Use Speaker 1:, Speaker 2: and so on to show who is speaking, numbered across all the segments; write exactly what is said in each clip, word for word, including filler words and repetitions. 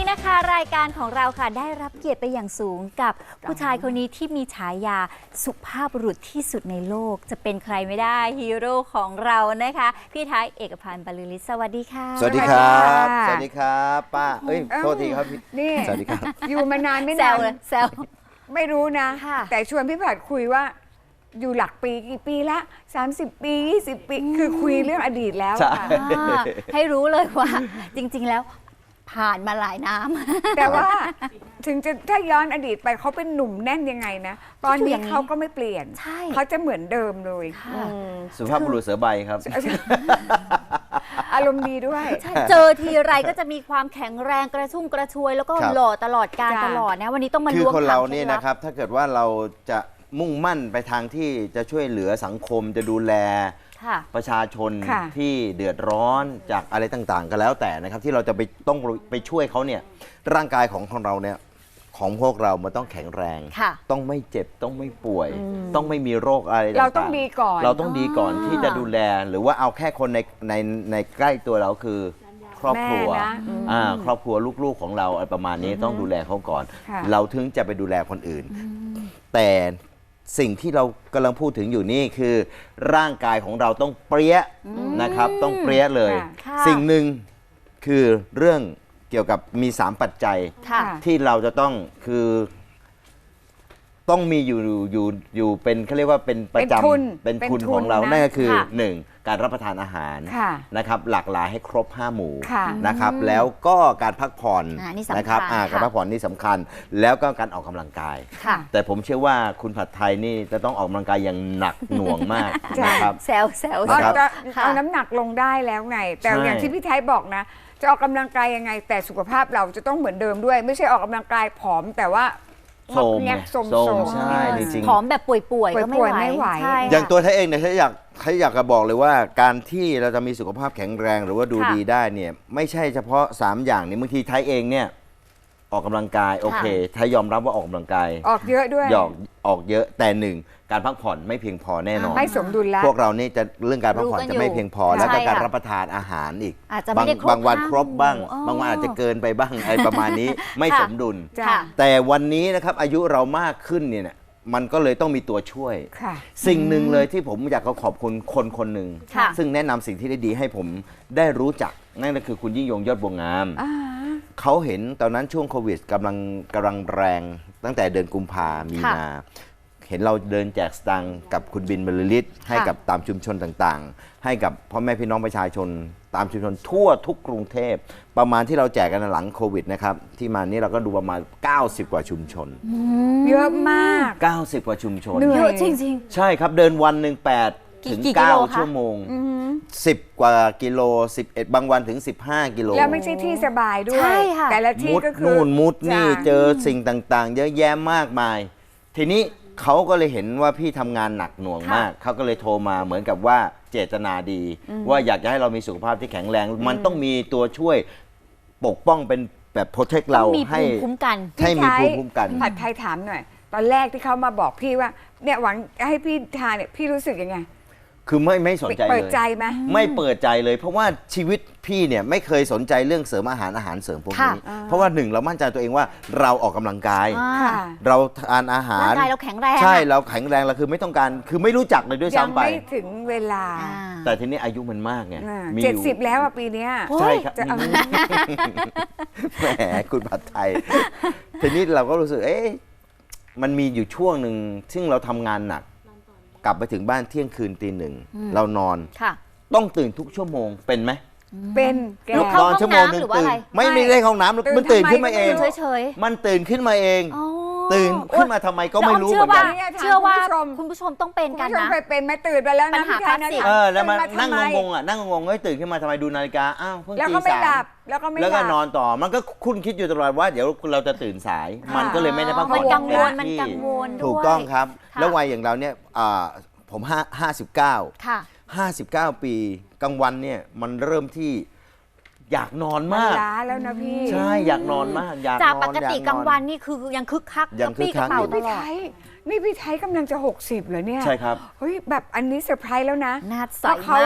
Speaker 1: นะคะรายการของเราค่ะได้รับเกียรติไปอย่างสูงกับผู้ชายคนนี้ที่มีฉายาสุภาพบุรุษที่สุดในโลกจะเป็นใครไม่ได้ฮีโร่ของเรานะคะพี่ไทยเอกพันธ์บรรลือฤทธิ์สวัสดีค่ะ
Speaker 2: สวัสดีครับสวัสดีครับป้าเอ้ยโทษทีครับพี่
Speaker 3: นี่
Speaker 2: สวัสดีครับ
Speaker 3: อยู่มานานไม่
Speaker 1: แซ
Speaker 3: นาน
Speaker 1: วเลยแซว
Speaker 3: ไม่รู้นะ
Speaker 1: ค่ะ
Speaker 3: แต่ชวนพี่ผัดคุยว่าอยู่หลักปีกี่ปีละสามสิบปียี่สิบปีคือคุยเรื่องอดีตแล้ว
Speaker 2: ใช่
Speaker 3: ค่ะ
Speaker 1: อ่าให้รู้เลยว่าจริงๆแล้วผ่านมาหลายน้ำ
Speaker 3: แต่ว่าถึงจะถ้าย้อนอดีตไปเขาเป็นหนุ่มแน่นยังไงนะตอนนี้เขาก็ไม่เปลี่ยน
Speaker 1: ใช่
Speaker 3: เขาจะเหมือนเดิมเลย
Speaker 1: ค่ะ
Speaker 3: อืม
Speaker 2: สุภาพบุรุษเสือใบครับ
Speaker 3: อารมณ์ดีด้วย
Speaker 1: ใช่เจอทีไรก็จะมีความแข็งแรงกระชุ่มกระชวย แล้วก็
Speaker 2: ครับ
Speaker 1: หล่อตลอดการ
Speaker 3: จ้ะ
Speaker 1: ตลอดนะวันนี้ต้องมา
Speaker 2: คือ
Speaker 1: ล้วง
Speaker 2: คนเรา
Speaker 1: ถม
Speaker 2: เนี่ย
Speaker 1: คล็ดลับ
Speaker 2: นะครับ ถ้าเกิดว่าเราจะมุ่งมั่นไปทางที่จะช่วยเหลือสังคมจะดูแล
Speaker 1: ค่ะ
Speaker 2: ประชาชน
Speaker 3: ค่ะ
Speaker 2: ที่เดือดร้อนจากอะไรต่างๆ ก็แล้วแต่นะครับ ที่เราจะไปต้องไปช่วยเขาเนี่ยร่างกายของของเราเนี่ยของพวกเรามันต้องแข็งแรง
Speaker 1: ค่ะ
Speaker 2: ต้องไม่เจ็บต้องไม่ป่วย ต้องไม่มีโรคอะไรต่างๆ
Speaker 3: เราต้องดีก่อน
Speaker 2: เราต้องดีก่อน
Speaker 1: อ่า
Speaker 2: ที่จะดูแลหรือว่าเอาแค่คนในในในใกล้ตัวเราคือครอบครัว
Speaker 3: แม่นะอืม
Speaker 2: อ่าครอบครัวลูกๆของเราอะไรประมาณนี้ต้องดูแลเขาก่อน
Speaker 3: ค่ะ
Speaker 2: เราถึงจะไปดูแลคนอื่น แต่สิ่งที่เรากำลังพูดถึงอยู่นี่คือ ร่างกายของเราต้องเปรี้ยนะครับ ต้องเปรี้ยเลย
Speaker 1: ค่ะ
Speaker 2: สิ่งหนึ่งคือเรื่องเกี่ยวกับมีสามปัจจัย
Speaker 1: ค่ะ
Speaker 2: ที่เราจะต้องคือต้องมีอยู่อยู่อยู่เป็นเขาเรียกว่าเป็นประจ
Speaker 3: เป็นทุน
Speaker 2: ำเป็น
Speaker 3: เป็น
Speaker 2: ทุน
Speaker 3: ทุน
Speaker 2: ของเรา
Speaker 3: นะ
Speaker 2: นั่นก็คือ
Speaker 1: ค่ะ
Speaker 2: หนึ่งการรับประทานอาหาร
Speaker 3: ค่ะ
Speaker 2: นะครับหลากหลายให้ครบห้าหมู่
Speaker 3: ค่ะ
Speaker 2: นะครับแล้วก็การพักผ่อน
Speaker 1: อ่านี่สำคัญ
Speaker 2: นะครับอ่า
Speaker 1: ค่ะ
Speaker 2: การพักผ่อนนี่สำคัญ แล้วก็การออกกำลังกาย
Speaker 1: ค่ะ
Speaker 2: แต่ผมเชื่อว่าคุณผัดไทยนี่จะต้องออกกำลังกายอย่างหนักหน่วงมาก
Speaker 3: จ้ะ
Speaker 2: นะครับ
Speaker 1: แซวแซว
Speaker 3: อ๋อ
Speaker 2: นะครับ
Speaker 3: จะ
Speaker 1: ค่ะ
Speaker 3: เอาน้ำหนักลงได้แล้วไง แต่
Speaker 2: ใช่
Speaker 3: อย่างที่พี่ไทยบอกนะ จะออกกำลังกายยังไง แต่สุขภาพเราจะต้องเหมือนเดิมด้วย ไม่ใช่ออกกำลังกายผอมแต่ว่า
Speaker 2: โทรม
Speaker 3: แงกโสม
Speaker 2: โทร
Speaker 3: โส
Speaker 2: ม
Speaker 3: ม
Speaker 2: ใช่จริงๆ
Speaker 1: ผอมแบบป่วยๆก็ไม่
Speaker 3: ป่
Speaker 1: ไหว
Speaker 3: วยๆไม่ไหว
Speaker 1: ใช่
Speaker 2: อย่าง
Speaker 1: ค่ะ
Speaker 2: ตัวไทยเองเนี่ยไทยอยากไทยอยากจะบอกเลยว่าการที่เราจะมีสุขภาพแข็งแรงหรือว่าดู
Speaker 1: ค่ะ
Speaker 2: ดีได้เนี่ยไม่ใช่เฉพาะสามอย่างนี้บางทีไทยเองเนี่ยออกกำลังกายโอเคไทยยอมรับว่าออกกำลังกาย
Speaker 3: ออกเยอะด้วย
Speaker 2: หยอกออกเยอะแต่หนึ่งการพักผ่อนไม่เพียงพอแน่นอน
Speaker 3: ไม่สมดุลแล้ว
Speaker 2: พวกเรานี่จะเรื่องการพักผ่อน
Speaker 1: รู้กัน
Speaker 2: จะไม่
Speaker 1: อยู่
Speaker 2: เพียงพอ
Speaker 1: ใช่
Speaker 2: แล้วก็การ
Speaker 1: ค่ะ
Speaker 2: รับประทานอาหารอีก
Speaker 1: อาจจะไม่
Speaker 2: บาง
Speaker 1: ได้ครบบ
Speaker 2: างวัน
Speaker 1: ห้า
Speaker 2: ครบบ้าง
Speaker 1: หมู่
Speaker 2: บางวัน
Speaker 1: อ๋ออ
Speaker 2: อาจจะเกินไปบ้างอะไรประมาณนี้ไม่
Speaker 1: ค่ะ
Speaker 2: สมดุล
Speaker 3: จ้ะ
Speaker 1: ค่ะ
Speaker 2: แต่วันนี้นะครับอายุเรามากขึ้นเนี่ยนะมันก็เลยต้องมีตัวช่วย
Speaker 3: ค่ะ
Speaker 2: สิ่งหนึ่งเลยที่ผมอยากจะขอบคุณคนคนหนึ่ง
Speaker 1: ค่ะ
Speaker 2: ซึ่งแนะนำสิ่งที่ได้ดีให้ผมได้รู้จักนั่นก็คือคุณยิ่งยงยอดบัวงาม
Speaker 3: อ่า
Speaker 2: เขาเห็นตอนนั้นช่วงโควิดกำลังกำลังแรงตั้งแต่เดือนกุมภามี
Speaker 1: ค่ะ
Speaker 2: นา เห็นเราเดินแจกสตังค์กับคุณบินบรรลือฤทธิ์ให้กับตามชุมชนต่างๆ ให้กับพ่อแม่พี่น้องประชาชน ตามชุมชนทั่วทุกกรุงเทพประมาณที่เราแจกกันหลังโควิดนะครับที่มานี้เราก็ดูประมาณ เก้าสิบ กว่าชุมชน
Speaker 3: เยอะมาก
Speaker 2: เก้าสิบ กว่าชุมชน
Speaker 3: เหนื่
Speaker 1: เย
Speaker 3: อย
Speaker 1: อะจริง
Speaker 2: ใช่ครับเดินวันหนึ่งแปด
Speaker 1: กี่
Speaker 2: ถึง
Speaker 1: กี่กิโล
Speaker 2: เก้า
Speaker 1: คะ
Speaker 2: ชั่วโมงสิบกว่ากิโลสิบเอ็ดบางวันถึงสิบห้ากิโล
Speaker 3: แล้วไม่ใช่ที่สบายด้วย
Speaker 1: ใช่ค่ะ
Speaker 3: แต่ละที่
Speaker 2: มุด
Speaker 3: ก็คือ
Speaker 2: นู่นมุดนี่
Speaker 3: จ้ะ
Speaker 2: เจอสิ่งต่างๆ เยอะแยะมากมาย ทีนี้เขาก็เลยเห็นว่าพี่ทำงานหนักหน่วง
Speaker 3: ค่ะ
Speaker 2: มาก เขาก็เลยโทรมาเหมือนกับว่าเจตนาดี ว่าอยากจะให้เรามีสุขภาพที่แข็งแรง มันต้องมีตัวช่วยปกป้องเป็นแบบโปรเทค
Speaker 1: ๆ ต้
Speaker 2: เรา
Speaker 1: องมี
Speaker 2: ให้
Speaker 1: ภูมิคุ้มกัน
Speaker 2: ให้มี
Speaker 3: พี่
Speaker 2: ภูมิคุ้มกัน
Speaker 3: ผัดไทยถามหน่อย ตอนแรกที่เขามาบอกพี่ว่าเนี่ยหวังให้พี่ทานเนี่ยพี่รู้สึกยังไง
Speaker 2: คือไม่ไม่สนใจ
Speaker 3: เปิ
Speaker 2: เล
Speaker 3: ด
Speaker 2: ย
Speaker 3: ใจไหม
Speaker 2: ไม่เปิดใจเลย เพราะว่าชีวิตพี่เนี่ยไม่เคยสนใจเรื่องเสริมอาหารอาหารเสริมพวกนี้
Speaker 1: ค่ะ
Speaker 2: เพราะว่าหนึ่งเรามั่นใจตัวเองว่าเราออกกำลังกาย
Speaker 1: อ่า
Speaker 3: ค่ะ
Speaker 2: เราทานอาหาร
Speaker 1: ร่างกายเราแข็งแรง
Speaker 2: ใช่
Speaker 1: อะ
Speaker 2: เราแข็งแรงเราคือไม่ต้องการคือไม่รู้จักเลยด้วย
Speaker 3: ยัง
Speaker 2: ซ้ำไป
Speaker 3: ไม่ถึงเวลา
Speaker 1: อ่า
Speaker 2: แต่ทีนี้อายุมันมากไงมี
Speaker 3: เจ็ด
Speaker 2: อยู่
Speaker 3: สิบแล้วอะปีเนี้ย
Speaker 1: โอ้ย
Speaker 2: ใช่ครับ
Speaker 3: จะเอา
Speaker 2: แหมคุณผัดไทย ทีนี้เราก็รู้สึกเอ๊ะมันมีอยู่ช่วงหนึ่งซึ่งเราทำงานหนัก กลับไปถึงบ้านเที่ยงคืนตีหนึ่งเรานอน
Speaker 1: ค่ะ
Speaker 2: ต้องตื่นทุกชั่วโมงเป็นไหม
Speaker 3: เป็นแก
Speaker 1: ลุกเข้า
Speaker 2: นอนชั่วโมงหนึ่ง
Speaker 1: ห้องน้ำหรือว่า
Speaker 2: ตื่น
Speaker 1: อะไร
Speaker 2: ไม่
Speaker 3: ไม่
Speaker 2: ไม่ได้ห้องน้ำ
Speaker 3: ตื่น
Speaker 2: มันตื่น
Speaker 3: ทำไม
Speaker 2: ขึ้นมาเอง
Speaker 3: ก็ไม่รู้
Speaker 1: เฉยๆ
Speaker 2: มันตื่นขึ้นมาเอง
Speaker 1: อ๋อ
Speaker 2: ตื่นขึ้นมาทำไมก็ไม่รู้
Speaker 1: แล้ว
Speaker 2: เหมือน
Speaker 1: เชื่อ
Speaker 2: กั
Speaker 1: ว่าน เชื่อว่าคุณผู้ชมต้องเป็น
Speaker 3: คุณ
Speaker 1: กัน
Speaker 3: ผู้ชม
Speaker 1: นะ
Speaker 3: เคยเป็นไหมตื่นไปแล้ว
Speaker 1: ปั
Speaker 3: นะ
Speaker 1: ญหา
Speaker 3: พี่ไทยนะ
Speaker 1: คลาสสิก
Speaker 2: เออแล้วมา
Speaker 3: ตื่
Speaker 2: นั่ง
Speaker 3: ทำไม
Speaker 2: งงๆอ่ะนั่งงงๆเฮ้ยตื่นขึ้นมาทำไมดูนาฬิกาอ้าวเพิ่ง
Speaker 3: แล้ว
Speaker 2: ตี
Speaker 3: ก็ไม่
Speaker 2: สา
Speaker 3: หลั
Speaker 2: ม
Speaker 3: บแล้วก็ไม่
Speaker 2: แล้วก็
Speaker 3: หลับ
Speaker 2: นอนต่อมันก็คุณคิดอยู่ตลอดว่าเดี๋ยวเราจะตื่นสาย
Speaker 3: ค่ะ
Speaker 2: มันก็เลยไม่ได้พักผ่
Speaker 1: มั
Speaker 2: อน
Speaker 1: นกังวล
Speaker 2: เต็
Speaker 1: มัน
Speaker 2: ที่
Speaker 1: กังวลด้วย
Speaker 2: ถูกต้องครับ
Speaker 1: ค่ะ
Speaker 2: แล้ววัยอย่างเราเนี่ยอ่าผมห้าห้าสิบเก้า
Speaker 1: ค่ะ
Speaker 2: ห้าสิบเก้าปีกลางวันเนี่ยมันเริ่มที่อยากนอน
Speaker 3: มัน
Speaker 2: มาก
Speaker 3: ล้าแล้วนะพี่
Speaker 2: ใช่อยากนอนมากอยากนอน
Speaker 1: จากปกติ
Speaker 2: อยนอน
Speaker 1: กลางวันนี่คือยังคึกคัก
Speaker 2: ยังคึกคัก
Speaker 1: ระปี้ระเป๋าต
Speaker 3: พี่
Speaker 1: ลอ
Speaker 3: ไท
Speaker 1: ด
Speaker 3: ยนี่พี่ไทยกำลังจะหกสิบเหรอเนี่ย
Speaker 2: ใช่ครับ
Speaker 3: เฮ้ยแบบอันนี้เซอร์ไพรส์แล้วนะ
Speaker 1: หน้าใส
Speaker 3: เพราะเขา
Speaker 1: มาก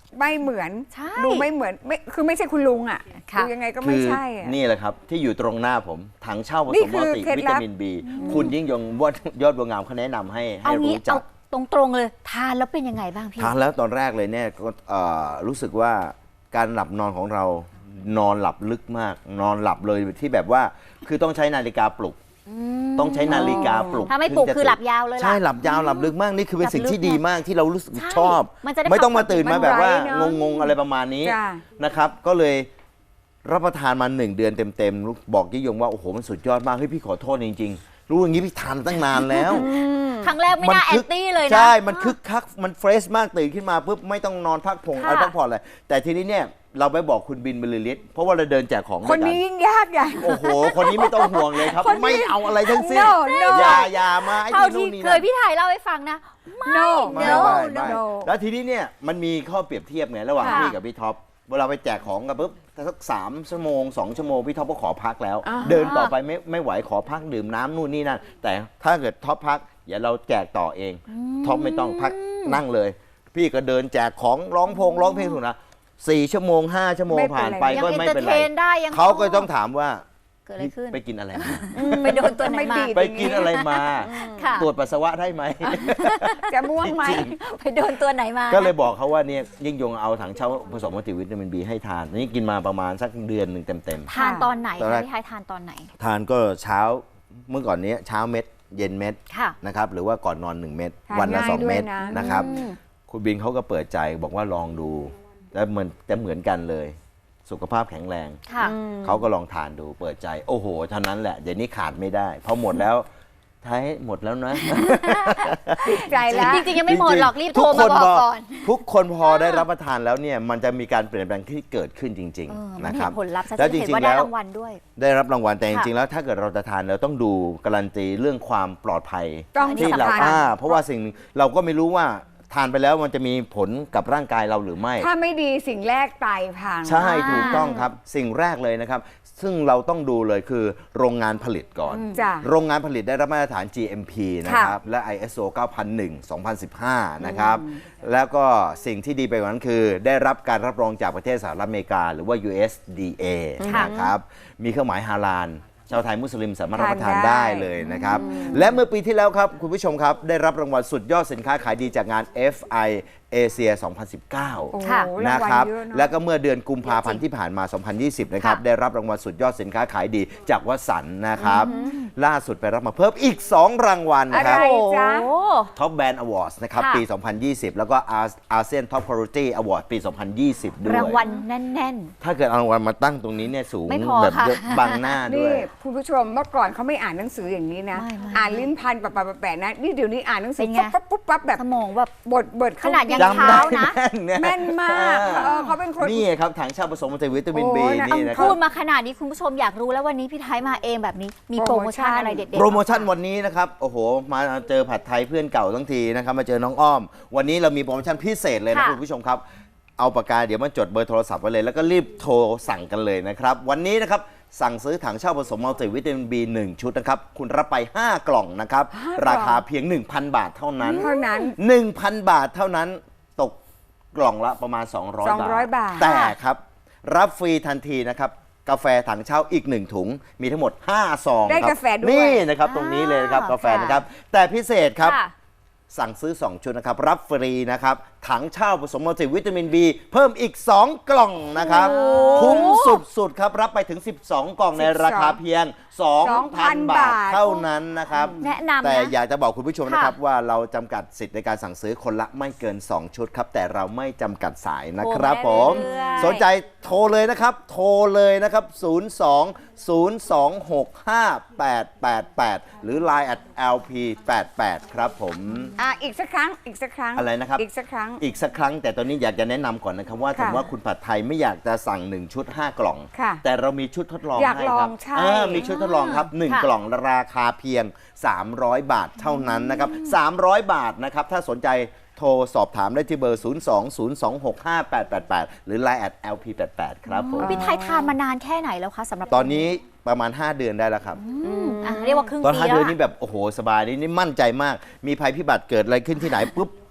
Speaker 3: ไม่เหมือน
Speaker 1: ใช่
Speaker 3: ดูไม่เหมือนไม่คือไม่ใช่คุณลุงอ่ะ
Speaker 1: ค่ะ
Speaker 3: ดูยังไงก็
Speaker 2: คื
Speaker 3: ไม่
Speaker 2: อ
Speaker 3: ใช่อะ
Speaker 2: นี่แหละครับ ที่อยู่ตรงหน้าผมถังเช่าผ
Speaker 3: นี่
Speaker 2: สม
Speaker 3: คื
Speaker 2: มัล
Speaker 3: อ
Speaker 2: ติ
Speaker 3: เคล็ด
Speaker 2: วิ
Speaker 3: ลั
Speaker 2: ตา
Speaker 3: บ
Speaker 2: มิน B คุณยิ่งยงวอดยอดบัวงามเขาแนะนำให้ให้
Speaker 1: เอางี้
Speaker 2: รู้จั
Speaker 1: เอา
Speaker 2: ก
Speaker 1: ตรงๆเลยทานแล้วเป็นยังไงบ้างพี่
Speaker 2: ทานแล้วตอนแรกเลยเนี่ยก็เอ่อรู้สึกว่าการหลับนอนของเรานอนหลับลึกมาก นอนหลับเลยที่แบบว่าคือต้องใช้นาฬิกาปลุก ต้องใช้นาฬิกาปลุก
Speaker 1: ถ้าไม่ปลุก
Speaker 2: ถึงจะ
Speaker 1: คือหลับยาวเลยล่ะ
Speaker 2: ใช่หลับยาวหลับลึกมากนี่คือเป็นสิ่งที่ดีมากที่เรารู้สึก
Speaker 1: ใช่
Speaker 2: ชอบ
Speaker 1: มันจะได้
Speaker 2: ไม่ต้องมาตื่น
Speaker 1: พักผ่อน
Speaker 2: มาแบบว่า
Speaker 3: มันไร้เนอะ
Speaker 2: งงๆอะไรประมาณนี้
Speaker 3: จ้ะ
Speaker 2: นะครับ ก็เลยรับประทานมาหนึ่งเดือนเต็มๆบอกยิ่งยงว่าโอ้โหมันสุดยอดมากเฮ้ยพี่ขอโทษจริงๆ รู้อย่างนี้พี่ทานตั้งนานแล้ว
Speaker 1: ครั้งแรกไม่น่าแอ
Speaker 2: คึ
Speaker 1: นตี้เลยนะ
Speaker 2: ใช่ มันคึกคัก มันเฟรชมากตื่นขึ้นมาปุ๊บไม่ต้องนอนพักผง
Speaker 1: ค่ะ
Speaker 2: อะไรพักผ่อนเลยแต่ทีนี้เนี่ยเราไปบอกคุณบินบรรลือฤทธิ์เพราะว่าเราเดินแจกของ
Speaker 3: คน
Speaker 2: ด้วยกั
Speaker 3: นี้ยิ่งยากใหญ่
Speaker 2: โอ้โห คนนี้ไม่ต้องห่วงเลยครับ
Speaker 3: คนนี้
Speaker 2: ไม่เอาอะไรทั้งสิ้น
Speaker 3: No no
Speaker 2: อย่าอย่ามาไอ้
Speaker 1: เท่า
Speaker 2: นี่
Speaker 1: ที่
Speaker 2: นู่นนี่
Speaker 1: เค
Speaker 2: นั่
Speaker 1: ย
Speaker 2: น
Speaker 1: พี่ไทยเล่าให้ฟังนะ
Speaker 3: no
Speaker 2: ไม่
Speaker 1: no
Speaker 2: ไม่
Speaker 1: no
Speaker 2: ไม่
Speaker 3: no
Speaker 2: แล้วทีนี้เนี่ยมันมีข้อเปรียบเทียบไงระหว่าง
Speaker 1: ค่ะ
Speaker 2: พี่กับพี่ท็อปเวลาไปแจกของกันปุ๊บสักสามชั่วโมงสองชั่วโมงพี่ท็อปก็ขอพักแล้ว
Speaker 3: อ่า
Speaker 2: เดินต่อไปไม่ไม่ไหวขอพักดื่มน้ำนู่นนี่นั่นแต่ถ้าเกิดท็อปพักอย่าเราแจกต่อเองท็อปไม่ต้องพักนั่งเลย พี่ก็เดินแจกของร้องพงร้องเพลงสุดนะสี่ชั่วโมงห้าชั่วโมง
Speaker 3: ไม่เป็นไร
Speaker 2: ผ่านไป
Speaker 1: ยัง
Speaker 2: ก็
Speaker 1: เอน
Speaker 2: ไม่
Speaker 1: เตอ
Speaker 2: เป็น
Speaker 1: ร์
Speaker 2: ไร
Speaker 1: เทนได้ยัง
Speaker 2: เขาก็ต้องถามว่า
Speaker 1: เกิดอะไรขึ้น
Speaker 2: ไปกินอะไรมา
Speaker 1: ไปโดนตัวไหนมา
Speaker 3: ไม่ดี
Speaker 2: ไปกินอะไรมา
Speaker 1: ค่ะ
Speaker 2: ตรวจปัสสาวะได้ไหม
Speaker 3: จะม่วงไหม
Speaker 1: ไปโดนตัวไหนมา
Speaker 2: ก็เลยบอกเขาว่าเนี่ยยิ่งยงเอาถังเช่าผสมมัลติวิตามินบีให้ทานนี่กินมาประมาณสักเดือนหนึ่งเต็ม
Speaker 1: ทานตอนไหน
Speaker 2: ตอนแร
Speaker 1: คะ
Speaker 2: ก
Speaker 1: พี่ไทยทานตอนไหน
Speaker 2: ๆ ทานก็เช้าเมื่อก่อนนี้เช้าเม็ด เย็นเม็ด
Speaker 1: ค่ะ
Speaker 2: นะครับหรือว่าก่อนนอนหนึ่งเม็ด
Speaker 3: ทาน
Speaker 2: วันละ
Speaker 3: ง่าย
Speaker 2: สองเม็ด
Speaker 3: ด้วยนะ
Speaker 2: นะครับ
Speaker 1: อืม
Speaker 2: คุณบินเขาก็เปิดใจบอกว่าลองดู แล้วเหมือนแต่เหมือนกันเลย สุขภาพแข็งแรง
Speaker 1: ค่ะ
Speaker 2: เขาก็ลองทานดูเปิดใจ โอ้โหเท่านั้นแหละเดี๋ยวนี้ขาดไม่ได้พอหมดแล้วท้ายหมดแล้วนะ
Speaker 3: ติดใจแล้ว
Speaker 1: จริงๆยังไม่หมดหรอกรีบ
Speaker 2: ทุ
Speaker 1: โทรมาบอก
Speaker 2: พ
Speaker 1: ก่อน
Speaker 2: ทุกคนพอได้รับประทานแล้วเนี่ยมันจะมีการเปลี่ยนแปลงที่เกิดขึ้นจริง
Speaker 1: เออ
Speaker 2: ๆ
Speaker 1: มัน
Speaker 2: นะค
Speaker 1: เห็
Speaker 2: รับ
Speaker 1: นผลลัพธ์ชัด
Speaker 2: แล้ว
Speaker 1: เจ
Speaker 2: จ
Speaker 1: นเห็น
Speaker 2: ริง
Speaker 1: ว่า
Speaker 2: ๆ
Speaker 1: ได้
Speaker 2: แล้ว
Speaker 1: รางวัลด้วย
Speaker 2: ได้รับรางวัลแต่จ
Speaker 1: ค่ะ
Speaker 2: ริงๆแล้วถ้าเกิดเราจะทานเราต้องดูการันตีเรื่องความปลอดภัย
Speaker 3: ต้อง
Speaker 1: อันนี้
Speaker 2: ที่
Speaker 3: สำ
Speaker 2: เรา
Speaker 3: คัญ
Speaker 2: อ่าเพราะว่าสิ่งเราก็ไม่รู้ว่าทานไปแล้วมันจะมีผลกับร่างกายเราหรือไม่
Speaker 3: ถ้าไม่ดีสิ่งแรกไตพัง
Speaker 2: ใช่
Speaker 1: อ่า
Speaker 2: ถูกต้องครับสิ่งแรกเลยนะครับ ซึ่งเราต้องดูเลยคือโรงงานผลิตก่อน
Speaker 3: จ้ะ
Speaker 2: โรงงานผลิตได้รับมาตรฐาน จี เอ็ม พี นะครับ และ ไอ เอส โอ เก้าพันหนึ่ง สองพันสิบห้า นะครับ แล้วก็สิ่งที่ดีไปกว่านั้นคือ ได้รับการรับรองจากประเทศสหรัฐอเมริกา หรือว่า ยู เอส ดี เอ
Speaker 1: ค่ะ
Speaker 2: นะครับ มีเครื่องหมายฮาลาลชาวไทยมุสลิมสามารถรับประทาน
Speaker 3: ทานได้
Speaker 2: ได้เลยนะครับ และเมื่อปีที่แล้วครับ คุณผู้ชมครับ ได้รับรางวัลสุดยอดสินค้าขายดีจากงาน เอฟ ไอ เอเชีย สองพันสิบเก้า
Speaker 3: โอ้โห
Speaker 1: ค่ะ
Speaker 3: รา
Speaker 2: นะ
Speaker 3: งวัล
Speaker 2: ครับ
Speaker 3: เยอะเนอะ
Speaker 2: แล้วก็เมื่อเดือนกุมภาพันธ์ที่ผ่านมา สองพันยี่สิบ นะครับ
Speaker 1: ค่ะ
Speaker 2: ได้รับรางวัลสุดยอดสินค้าขายดีจากวสันต์นะครับ ล่าสุดไปรับมาเพิ่มอีก สอง รางวัล
Speaker 3: อะ
Speaker 2: ค
Speaker 3: ไร
Speaker 2: รับ
Speaker 3: จ๊ะ
Speaker 1: โอ้
Speaker 2: ท็อปแบรนด์อวอร์ดนะครับ
Speaker 1: ค่ะ
Speaker 2: ปี สองพันยี่สิบ แล้วก็อาเซียนท็อปคุณภาพอวอร์ดปี สองพันยี่สิบ ด้วย
Speaker 1: รางวัลแน่น
Speaker 2: ถ้าเกิดเอารางวัลมาตั้งตรงนี้เนี่ยสูง
Speaker 1: ไม่พอ
Speaker 2: แบบ
Speaker 1: ค่ะ
Speaker 2: เยอะบังหน้าด้
Speaker 3: นี่
Speaker 2: วย
Speaker 3: คุณผู้ชมเมื่อก่อนเขาไม่อ่านหนังสืออย่างนี้นะ
Speaker 1: ไม่ไม่
Speaker 3: อ่านลิ้นพันปะปะปะแปะนะนี่เดี๋ยวนี้อ่านหนังสื
Speaker 1: เป็
Speaker 3: อน
Speaker 1: ไง
Speaker 3: ปั๊บปั๊บปั๊บแบบ
Speaker 1: ๆ สมองแบบ
Speaker 3: บทบท
Speaker 1: ขนาดยัง
Speaker 2: จำได้
Speaker 1: เช้านะ
Speaker 2: แม่น
Speaker 3: แม่นมากเออเขาเป็นคน
Speaker 2: นี่ครับถังเช่าผสมมัลติวิตามิน
Speaker 3: โอ้
Speaker 2: บี
Speaker 3: นะ
Speaker 2: นี่นะค
Speaker 1: พู
Speaker 2: รับ
Speaker 1: ดมาขนาดนี้คุณผู้ชมอยากรู้แล้ววันนี้พี่ไทยมาเองแบบนี้ มีโปรโมชั่นอะไรเด็ดๆ
Speaker 2: โปรโมชั่น
Speaker 1: บ้าง
Speaker 2: วันนี้นะครับ โอ้โห มาเจอผัดไทยเพื่อนเก่าทั้งทีนะครับ มาเจอน้องอ้อม วันนี้เรามีโปรโมชั่นพิเศษเลยนะ
Speaker 1: ค่ะ
Speaker 2: คุณผู้ชมครับ เอาปากกาเดี๋ยวมาจดเบอร์โทรศัพท์ไว้เลย แล้วก็รีบโทรสั่งกันเลยนะครับ วันนี้นะครับ สั่งซื้อถังเช่าผสมมัลติวิตามิน บี หนึ่ง ชุดนะครับ คุณรับไป ห้า กล่องนะครับ
Speaker 3: ห้ากล่อง
Speaker 2: ราคาเพียง หนึ่งพัน บาทเท่านั้น
Speaker 3: เท่านั้น
Speaker 2: หนึ่งพัน บาทเท่านั้น ตกกล่องละประมาณ สองร้อย
Speaker 3: สองร้อยบาท
Speaker 2: แต่ครับ รับฟรีทันทีนะครับ กาแฟถังเช่าอีกหนึ่งถุง มีทั้งหมด ห้า ซอง
Speaker 3: ได้
Speaker 2: ครับ
Speaker 3: กาแฟด้วย
Speaker 2: นี่นะครับตรงนี้เลยนะครับ
Speaker 1: อ่าก
Speaker 2: กาแฟนะครับ แต่พิเศษครับ
Speaker 1: ค่ะ
Speaker 2: สั่งซื้อ สอง ชุดนะครับ รับฟรีนะครับ ถังเช่าผสมมัลติวิตามิน B เพิ่มอีก สอง กล่องนะครับ
Speaker 1: โอ้
Speaker 2: คุ้มสุดๆครับ รับไปถึง สิบสอง กล่องในราคาเพียง สองพัน บาทเท่านั้นนะครับ
Speaker 1: แนะนำนะ
Speaker 2: แต่อยากจะบอกคุณผู้ชมนะครับ
Speaker 1: ค่ะ
Speaker 2: ว่าเราจำกัดสิทธิ์ในการสั่งซื้อคนละไม่เกิน สอง ชุดครับ แต่เราไม่จำกัดสายนะครับผม
Speaker 1: โทรได้เรื่อยๆ
Speaker 2: สนใจโทรเลยนะครับ โทรเลยนะครับ ศูนย์ สอง ศูนย์ สอง หก ห้า แปด แปด แปด หรือ ไลน์ แอท แอล พี แปด แปด ครับผม
Speaker 3: อ่ะอีกสักครั้งอีกสักครั้ง
Speaker 2: อะไรนะครับ
Speaker 3: อีกสักครั้ง
Speaker 2: อีกสักครั้งแต่ตอนนี้อยากจะแนะนำก่อนนะครับว่า
Speaker 3: ค่ะ
Speaker 2: ถึงว่าคุณผัดไทยไม่อยากจะสั่ง หนึ่ง ชุด ห้า กล่อง
Speaker 3: ค่ะ
Speaker 2: แต่เรามีชุดทดลอง
Speaker 3: อยาก
Speaker 2: ให้
Speaker 3: ล
Speaker 2: ค
Speaker 3: อ
Speaker 2: รั
Speaker 3: ง
Speaker 2: บ
Speaker 3: ใช่
Speaker 2: เออมีชุดทดลองครับหนึ่ง
Speaker 1: ค่ะ
Speaker 2: กล่องราคาเพียง สามร้อย บาทเท่านั้นนะครับสามร้อยบาทนะครับถ้าสนใจโทรสอบถามได้ที่เบอร์ ศูนย์ สอง ศูนย์ สอง หก ห้า แปด แปด แปด หรือ ไลน์ แอท แอล พี แปด แปด ครับผม
Speaker 1: พี่ไทยทานมานานแค่ไหนแล้วคะสำหรับ
Speaker 2: ตอนนี้ประมาณ ห้า เดือนได้แล้วครับ
Speaker 1: อืมอ่ะเรียกว่าครึ่ง
Speaker 2: ตอน
Speaker 1: ปี
Speaker 2: ห้า
Speaker 1: แล้ว
Speaker 2: เดือน
Speaker 1: อะ
Speaker 2: นี้แบบโอ้โหสบายนี่นี่มั่นใจมาก มีภัยพิบัติเกิดอะไรขึ้นที่ไหนปุ๊บ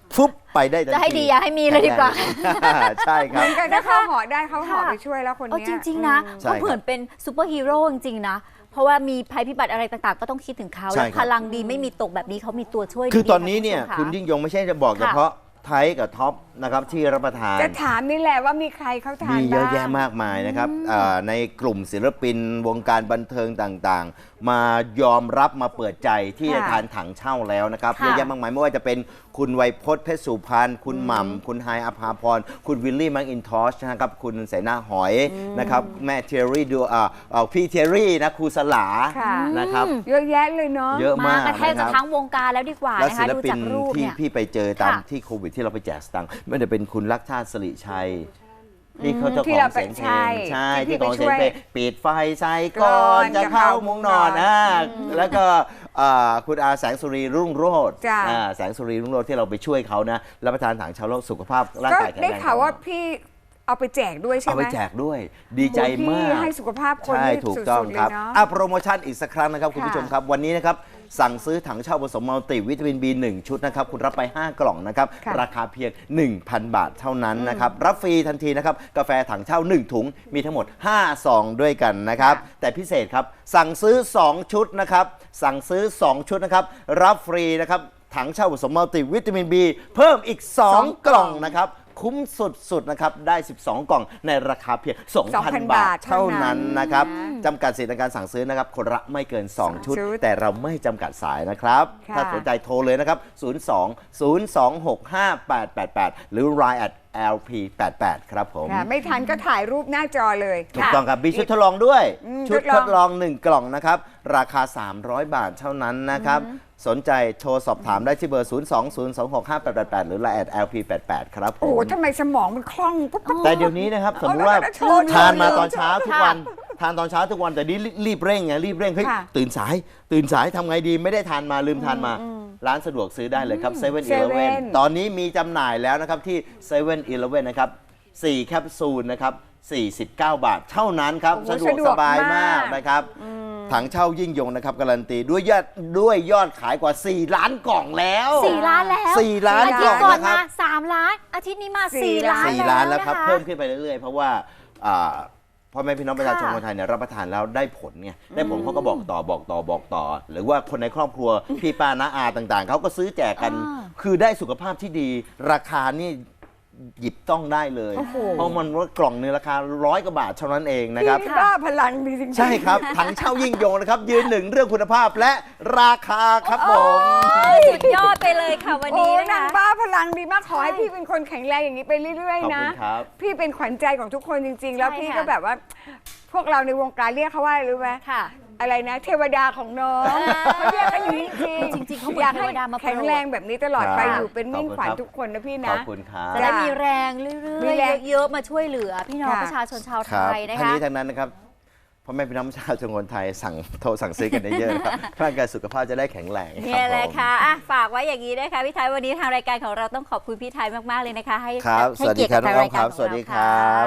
Speaker 2: ฟุบไปได้ทันที
Speaker 1: จะให้ดีอย่าให้มีเลยดีกว่า
Speaker 2: ใช่ครับ
Speaker 3: กันถ้าเขาเหาะได้เขาเหาะ
Speaker 1: ค่ะ
Speaker 3: ไปช่วยแล้วคน
Speaker 1: เอา
Speaker 3: เนี้ย
Speaker 1: จริง ๆ นะ
Speaker 2: ใช่
Speaker 1: ก็เหมือนเป็นซูเปอร์ฮีโร่จริง ๆ นะ เพราะว่ามีภัยพิบัติอะไรต่างๆ ก็ต้องคิดถึงเขา
Speaker 2: ใช่
Speaker 1: แล้ว
Speaker 2: ครับ
Speaker 1: พลังดีไม่มีตกแบบนี้เขามีตัวช่วย
Speaker 2: คือ
Speaker 1: ดีๆ
Speaker 2: ตอนนี้เนี่ย
Speaker 1: ะ
Speaker 2: คุณยิ่งยงไม่ใช่จะบอกเฉพาะไทยกับท็อปนะครับที่รับประทาน
Speaker 3: จะถามนี่แหละว่ามีใครเขาทาน
Speaker 2: มีเยอะ
Speaker 3: บ้าง
Speaker 2: แยะมากมายนะครับเอ่อในกลุ่มศิลปินวงการบันเทิงต่างๆ มายอมรับมาเปิดใจที่จะ
Speaker 3: ค่ะ
Speaker 2: ทานถังเช่าแล้วนะครับ
Speaker 1: ค่ะ
Speaker 2: เยอะแยะมากมายไม่ว่าจะเป็นคุณไวยพจน์เพชรสุพรรณคุณหม่ำคุณไฮายอภาพรคุณวิลลี่แมังอินทอชนะครับคุณเสนาหอยนะครับแม่เทยรี่ดูอ่าเอ่อพี่เทยรี่นะครูสลา
Speaker 3: ค่ะ
Speaker 2: นะครับ
Speaker 3: เยอะแยะเลยเนาะ
Speaker 2: เยอะ
Speaker 1: มาม
Speaker 2: าก
Speaker 1: กระแทก
Speaker 2: นะค
Speaker 1: จะ
Speaker 2: รับ
Speaker 1: ทั้งวงการแล้วดีกว่า
Speaker 2: แล้ว
Speaker 1: นะ
Speaker 2: ศิ
Speaker 1: คะ
Speaker 2: ล
Speaker 1: ดู
Speaker 2: ปิ
Speaker 1: จาน กรูป
Speaker 2: ที่
Speaker 1: เนี่ย
Speaker 2: พี่ไปเจอตาม
Speaker 1: ค่ะ
Speaker 2: ที่โควิดที่เราไปแจกสตังค์ไม่ว่าจะเป็นคุณลักชาติสิริชัยที่เขาเจ้า
Speaker 3: ที่
Speaker 2: ของ
Speaker 3: เรา
Speaker 2: เสียงเพล
Speaker 3: ใช่
Speaker 2: งใช่
Speaker 3: ที่
Speaker 2: ที่ของ
Speaker 3: พี่
Speaker 2: เสียง
Speaker 3: ไปช่วย
Speaker 2: เพลงปิดไฟใส่ก่อนจะเข้ามุ้งนอนอ่าแล้วก็อ่าคุณอาแสงสุรีรุ่งโรจน์
Speaker 3: จ้ะ
Speaker 2: อ่าแสงสุรีรุ่งโรจน์ที่เราไปช่วยเขานะรับประทานถังเชาแล้วสุขภาพร่าง
Speaker 3: ก็
Speaker 2: กายแข็ง
Speaker 3: ได้
Speaker 2: แรง
Speaker 3: ข่าวว่าพี่เอาไปแจกด้วยใช่
Speaker 2: เอา
Speaker 3: ไหม
Speaker 2: ไปแจกด้วยดีใจ
Speaker 3: โอ้โห
Speaker 2: มา
Speaker 3: พี่
Speaker 2: ก
Speaker 3: ให้สุขภาพคน
Speaker 2: ใช่
Speaker 3: นี่
Speaker 2: ถูก
Speaker 3: สุ
Speaker 2: ต้อง
Speaker 3: ดๆเลย
Speaker 2: ครับ
Speaker 3: เนาะ
Speaker 2: อ่ะโปรโมชั่นอีกสักครั้งนะครับคุณ
Speaker 3: ค่ะ
Speaker 2: ผู้ชมครับ วันนี้นะครับ สั่งซื้อถังเช่าผสมมัลติวิตามิน บี หนึ่ง ชุดนะครับ คุณรับไป ห้ากล่องนะครับ
Speaker 3: ค่ะ
Speaker 2: ราคาเพียง หนึ่งพัน บาทเท่านั้นนะครับ รับฟรีทันทีนะครับ กาแฟถังเช่า หนึ่ง ถุง มีทั้งหมด ห้า ซองด้วยกันนะครับ แต่พิเศษครับ สั่งซื้อ สอง ชุดนะครับ สั่งซื้อ สอง ชุดนะครับ รับฟรีนะครับ ถังเช่าผสมมัลติวิตามิน B เพิ่มอีก สอง กล่องนะครับ คุ้มสุดๆนะครับ ได้ สิบสอง กล่องในราคาเพียง สองพัน บาท เท่านั้นนะครับ จำกัดสิทธิในการสั่งซื้อนะครับ คนละไม่เกิน สอง ชุด
Speaker 3: ชุด
Speaker 2: แต่เราไม่จำกัดสายนะครับ
Speaker 3: ค่ะ
Speaker 2: ถ้าสนใจโทรเลยนะครับ ศูนย์ สอง ศูนย์ สอง หก ห้า แปด แปด แปด หรือ ไลน์ แอท แอล พี แปด แปด ครับผม
Speaker 3: ค่ะไม่ทันก็ถ่ายรูปหน้าจอเลย
Speaker 2: ถูกต้องครับมีชุดทดลองด้วย
Speaker 3: อืม
Speaker 2: ชุด
Speaker 3: ท
Speaker 2: ท
Speaker 3: ด
Speaker 2: ด
Speaker 3: ล
Speaker 2: ล
Speaker 3: อ
Speaker 2: อง ง หนึ่ง กล่องนะครับ ราคา สามร้อย บาทเท่านั้นนะครับ สนใจโทรสอบถามได้ที่เบอร์ ศูนย์ สอง ศูนย์ สอง หก ห้า แปด แปด แปด หรือ ไลน์ แอท แอล พี แปด แปด ครับผ
Speaker 3: โอ้โห
Speaker 2: ม
Speaker 3: ทำไมสมองมันคล่องปุ๊บปุ๊บ
Speaker 2: แต่เดี๋ยวนี้นะครับ สมมติว่า
Speaker 3: เอาแล้วโชว์
Speaker 2: ทานมา
Speaker 3: โชว์
Speaker 2: ตอนเช้าทุกวัน ทานตอนเช้าทุกวันแต่นี้รีบเร่งไงรีบเร่งเฮ้ย
Speaker 3: ค่ะ
Speaker 2: ตื่นสาย ตื่นสายทำไงดีไม่ได้ทานมาลืมทานมา ร้านสะดวกซื้อได้เลยครับเซเว่นอีเลฟเว่น
Speaker 3: Seven
Speaker 2: ตอนนี้มีจำหน่ายแล้วนะครับที่เซเว่นอีเลฟเว่นนะครับสี่แคปซูลนะครับสี่สิบเก้า บาท เท่านั้นครับ
Speaker 3: โอ้โห
Speaker 2: สะดวก
Speaker 3: สะดวก
Speaker 2: สบายมาม
Speaker 3: าก ก
Speaker 2: นะครับ ถังเช่ายิ่งยงนะครับการันตีด้วยยอดด้วยยอดขายกว่า สี่ ล้านกล่องแล้ว
Speaker 1: สี่ล้านแล้ว
Speaker 2: สี่ล้าน
Speaker 1: อาทิตย์
Speaker 2: กล่
Speaker 1: ก่
Speaker 2: อ
Speaker 1: อง น
Speaker 2: นะครั
Speaker 1: มา
Speaker 2: บ
Speaker 1: สามล้าน อาทิตย์นี้มา
Speaker 3: สี่
Speaker 1: สี่ล้าน
Speaker 2: สี่
Speaker 1: แล้ว
Speaker 2: ล้านแล้วครับ
Speaker 1: นะคะ
Speaker 2: เพิ่มขึ้นไปเรื่อยๆ เพราะว่าอ่าพ่อแม่พี่น้องประชาชนคนไทยเนี่ยรับประทานแล้วได้ผลไงได้ผลเขาก็บอกต่อบอกต่อบอกต่อ หรือว่าคนในครอบครัว พี่ป้าน้าอาต่างๆ เขาก็ซื้อแจกกัน
Speaker 1: อ่า
Speaker 2: คือได้สุขภาพที่ดี ราคานี่หยิบต้องได้เลย
Speaker 3: โอ้โห
Speaker 2: เพราะมันว่ากล่องหนึงราคาร้อยกว่าบาทเท่านั้นเองนะครับ
Speaker 3: พี่บ้าพลังดีจริงๆ
Speaker 2: ใช่ครับถังเช่ายิ่งยงนะครับ ยืนหนึ่งเรื่องคุณภาพและราคาครับผม
Speaker 1: สุดยอดไปเลยค่ะวัน
Speaker 3: โอ้
Speaker 1: นี้
Speaker 3: นาง
Speaker 1: นะคะ
Speaker 3: บ้าพลังดีมากขอให้
Speaker 1: ใช่
Speaker 3: พี่เป็นคนแข็งแรงอย่างนี้ไปเรื่อย
Speaker 2: ขอบ
Speaker 3: ๆ นะ
Speaker 2: คุณครับ
Speaker 3: พี่เป็นขวัญใจของทุกคนจริง ๆ แล้ว
Speaker 1: ใช่
Speaker 3: พี่
Speaker 1: ค่ะ
Speaker 3: ก็แบบว่า พวกเราในวงการเรียกเขาว่าอะไรรู้ไหม
Speaker 1: ค่ะ
Speaker 3: อะไรนะ เทวดาของน้องเขาเรียกกันอย่างนี้จริง
Speaker 1: จริงๆเขาเหมือน
Speaker 3: อยากให้
Speaker 1: เทวดามาโปรด
Speaker 3: แข็งแรงแบบนี้ตลอดไป
Speaker 2: ครับ
Speaker 3: อยู่เป็นมิ่ง
Speaker 2: ขอบคุณ
Speaker 3: ขวัญ
Speaker 2: ครับ
Speaker 3: ทุกคนนะพี่
Speaker 2: ข
Speaker 3: นะ
Speaker 2: อบคุณครับ
Speaker 1: จะได้มีแรงเรื่
Speaker 3: มี
Speaker 1: อย
Speaker 3: แรง
Speaker 1: ๆเยอะๆมาช่วยเหลือ พี่น้อง
Speaker 3: ค่ะ
Speaker 1: ประชาชนชาว
Speaker 2: ครับ
Speaker 1: ไทยนะ
Speaker 2: ทั้ง
Speaker 1: คะ
Speaker 2: นี้ทั้งนั้นนะครับพ่อแม่พี่น้องประชาชนคนไทยสั่งโทรสั่งซื้อกันได้เยอะนะครับ ร่างกายสุขภาพจะได้แข็งแรงครับ
Speaker 1: เนี่ยแหละ
Speaker 2: ผม
Speaker 1: ค่ะอ่ะ ฝากไว้อย่างนี้นะคะพี่ไทยวันนี้ทางรายการของเราต้องขอบคุณพี่ไทยมากๆเลยนะคะ ให้
Speaker 2: ครับ
Speaker 1: ให้
Speaker 2: สวัสดี
Speaker 1: เกียรติ
Speaker 2: ครับ
Speaker 1: กับทาง
Speaker 2: น้อง
Speaker 1: รายการ
Speaker 2: ครับ
Speaker 1: ของ
Speaker 2: สวัสดี
Speaker 1: เรา
Speaker 2: ครั
Speaker 1: ค่ะ
Speaker 2: บ